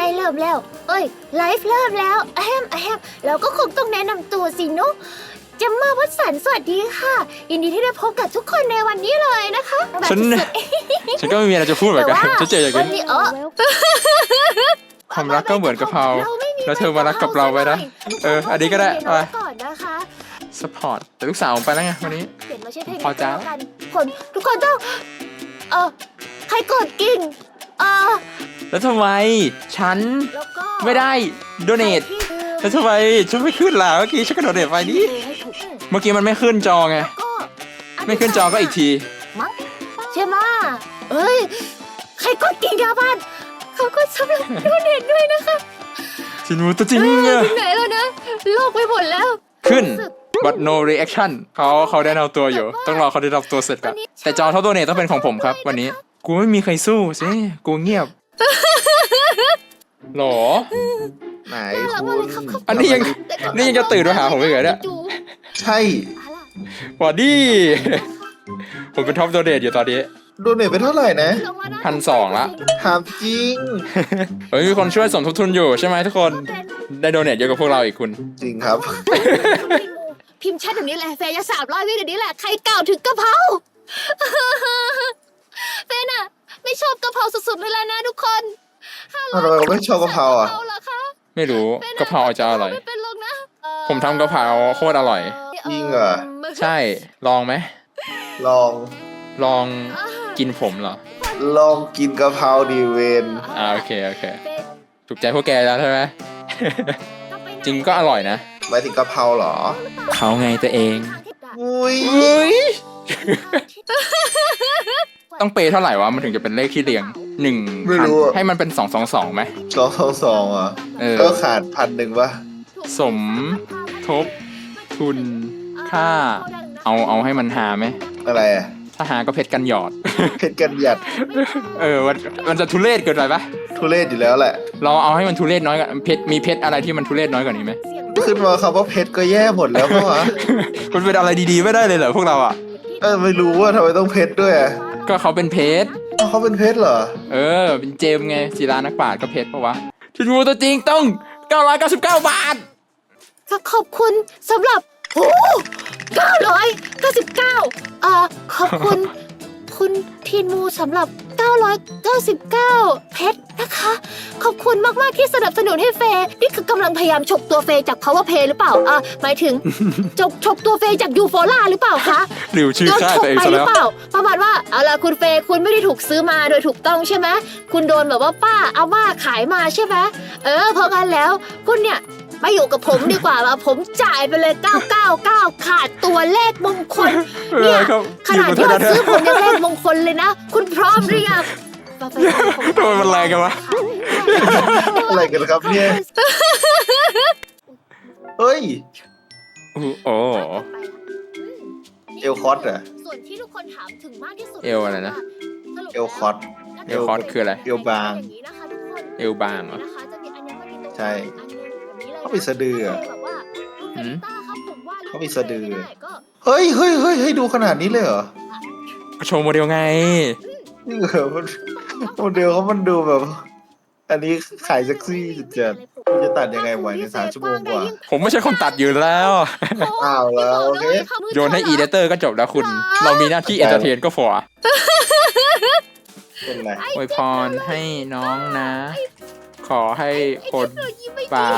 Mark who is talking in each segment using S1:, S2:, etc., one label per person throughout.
S1: ไม่เริ่มแล้วเอ้ยไลฟ์เริ่มแล้วเราก็คงต้องแนะนำตัวสินุจะมาวัดสันสวัสดีค่ะยินดีที่ได้พบกับทุกคนในวันนี้เลยนะคะ
S2: ฉันก็ไม่มีอะไรจะพูดเหมือนกันฉันเจออย่าง
S1: วั
S2: นี้
S1: นี้
S2: ความรักก็เหมือนกะเพราแล้วเธอมารักกับเราไว้นะอันนี้ก็ได้ไป
S1: ก่อนนะคะ
S2: สปอร์ตแต่ลูกสาวผมไปแล้วไงวันนี้
S1: เปลี่ยนมาใช้เพลง
S2: พอจ้า
S1: กันคนทุกคนต้องใครกดกิ่ง
S2: แล้วทำไมฉัน
S1: แล้วก็
S2: ไม่ได้โดเนทแล้วทำไมฉันไม่ขึ้นล่ะเมื่อกี้ฉันก็โดเนทไปนี่เมื่อกี้มันไม่ขึ้นจอไงไม่ขึ้นจอก็อีกที
S1: มั้งใช่ไหมเอ้ยใครกดกิ่งครับบ้านเขาก็สำหรับโดเนทด้วยนะคะ
S2: ชินมูตัวจริงอะ
S1: ถึงไหนแล้วนะโลกไปหมดแล้ว
S2: ขึ้น but no reaction เขาได้เอาตัวอยู่ต้องรอเขาได้รับตัวเสร็จก่อนแต่จอท็อปโดเนทต้องเป็นของผมครับวันนี้กูไม่มีใครสู้สิกูเงียบหรอ
S3: ไหนคุณ
S2: อันนี้ยังจะตื่นมาหาผมอีกเหรอเนี่ย
S3: ใช่
S2: บอดี้ผมเป็นท็อปโดเนทอยู่ตอนนี้
S3: โดเนทไปเท่าไหร่นะ
S2: 1,200ละ
S3: ถามจริง
S2: เฮ้ยมีคนช่วยสมทบทุนอยู่ใช่ไหมทุกคนได้โดเนทเยอะกว่าพวกเราอีกคุณ
S3: จริงครับ
S1: พิมพ์แชทแบบนี้แหละแฟนจะ300 วิเดี๋ยวนี้แหละใครกล่าวถึงกะเพราแฟนอะไม่ชอบกะเพราสุดๆเลยแล้วนะทุกคน
S3: ทำไมเราไม่ชอบกะเพราอ่ะ
S2: ไม่รู้กะเพราจะอร่อยผมทำกะเพราโคตรอร่อย
S3: จริงเหรอ
S2: ใช่ลองไหม
S3: ล
S2: องกินผมเหรอ
S3: ลองกินกะเพราดีเวน
S2: โอเคถูกใจพวกแกแล้วใช่ไหมจริงก็อร่อยนะ
S3: หมายถึงกะเพราเหรอ
S2: เขาไงตัวเอง
S3: อุ้ย
S2: ต้องเปย์เท่าไหร่วะมันถึงจะเป็นเลขที่เรียง1,000ให้มันเป็น222ไหม
S3: 222อ่ะก็ขาด1,000ป่ะ
S2: สมทบทุนค่าเอาให้มันหาไหม
S3: อะไรอ่ะ
S2: ถ้าหาก็เพชรกันหยอด
S3: เพชรกันหยัด
S2: มันจะทุเรศเกินไปปะ
S3: ทุเรศอยู่แล้วแหละ
S2: เราเอาให้มันทุเรศน้อยกว่ามีเพชรอะไรที่มันทุเรศน้อยกว่านี้ไหม
S3: ขึ้นมาคำว่าเพชรก็แย่หมดแล้วเพราะว่า
S2: มันเป็นอะไรดีๆไม่ได้เลยเหรอพวกเราอ่ะ
S3: ไม่รู้ว่าทำไมต้องเพชรด้วย
S2: ก็เขาเป็นเพชร
S3: เขาเป็นเพชรเหรอ
S2: เป็นเจมไงศิลานักปราชญ์ก็เพชรปะวะชินวูตัวจริงต้อง999 บาท
S1: ขอบคุณสำหรับ999ขอบคุณคุณทีนมูสำหรับ999เพชรนะคะขอบคุณมากๆที่สนับสนุนให้เฟย์นี่คือกำลังพยายามฉกตัวเฟย์จาก Power Play หรือเปล่าหมายถึงฉกตัวเฟย์จากยูโฟล่าหรือเปล่าคะ
S2: หรือชื่อค่ายตัวเองซะแล้ว
S1: ประมาณว่าเอาล่ะคุณเฟย์คุณไม่ได้ถูกซื้อมาโดยถูกต้องใช่ไหมคุณโดนแบบว่าป้าอาม่าขายมาใช่ไหมเพราะงั้นแล้วคุณเนี่ยมาอยู่กับผมดีกว่าผมจ่ายไปเลย999ขาดตัวเลขมงคลเนี่ยขนาดที่ว่าซื้อผมยังเลขมงคลเลยนะคุณพร้อมหรือยัง
S2: ทำไมมันแรงกันวะ
S3: อะไรกันครับเนี่ยเฮ้ย
S2: โอ้
S3: เอลคอสเหรอ
S1: ส่วนที่ทุกคนถามถึงมากที่สุด
S2: เอลอะไรนะ
S3: เอลคอส
S2: คืออะไร
S3: เอลบาง
S2: เอลบางเหรอ
S3: ใช่เขาไปสะดือเขาไปสะดือเฮ้ยดูขนาดนี้เลยเหรอ
S2: โชว์โมเดลไง
S3: นี่เหรอโมเดลเขามันดูแบบอันนี้ขายเซ็กซี่จัดจะตัดยังไงไหวใน3 ชั่วโมงกว่า
S2: ผมไม่ใช่คนตัดอยู่แล้ว
S3: แล้วโอเค
S2: โยนให้อีเดเตอร์ก็จบแล้วคุณเรามีหน้าที่เอนเตอร์เทนก็พออวยพรให้น้องนะขอให้คนปลา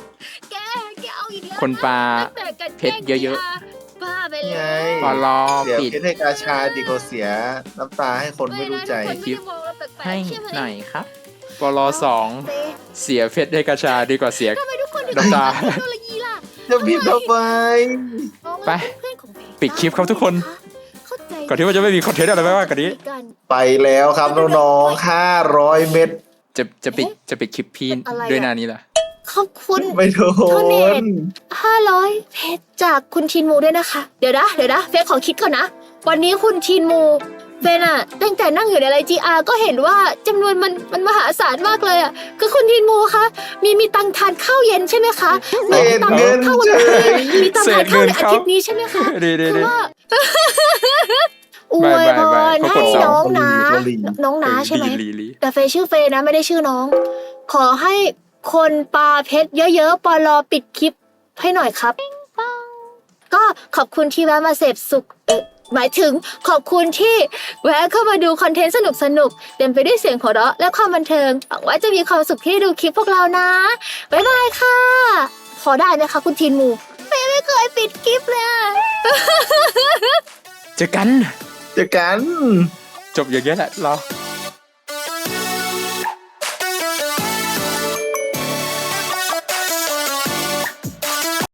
S2: คนปลาเพชรเยอะๆพอรอปิด
S3: เพชรให้กาชาดีกว่าเสียน้ำตาให้คนไม่รู้ใจ
S2: คลิปให้หน่อยครับปล2เสียเพชรให้กาชาดีกว่าเสียน้ำตา
S3: จะพิมพ์ทำไม
S2: ไปปิดคลิปครับทุกคนก่อนที่ว่าจะไม่มีคอนเทนต์อะไรมากกว่านี้
S3: ไปแล้วครับน้องๆ500 เม็ด
S2: จะปิดคลิปพี่ด้วยหน้านี้แหละ
S1: ขอบคุณ
S3: ไม่โดน
S1: 500เพชรจากคุณชินมูด้วยนะคะเดี๋ยวนะเฟซขอคิดก่อนนะวันนี้คุณชินมูเฟนอะตั้งแต่นั่งอยู่ในไลน์ GR ก็เห็นว่าจำนวนมันมหาศาลมากเลยอะคือคุณทินมูคะมีตังทานข้าวเย็นใช่ไหมคะมีตังทานข้าววันนี้มีตังทานข้าวในอาทิตย์นี้ใช่ไหมคะคือว่าอวยพรให้น้องนะใช่ไหมแต่เฟย์ชื่อเฟย์นะไม่ได้ชื่อน้องขอให้คนปาเพชรเยอะๆปอลอปิดคลิปให้หน่อยครับ ก็ขอบคุณที่แวะมาเสพสุขหมายถึงขอบคุณที่แวะเข้ามาดูคอนเทนต์สนุกๆเต็มไปด้วยเสียงหัวเราะและความบันเทิงหวังว่าจะมีความสุขที่ดูคลิปพวกเรานะบ๊ายบายค่ะพอได้ไหมคะคุณทีนมูไม่เคยปิดคลิปเลยอะ
S2: เจอกัน
S3: เจอกัน
S2: จบอย่างเงี้ยแหละเรา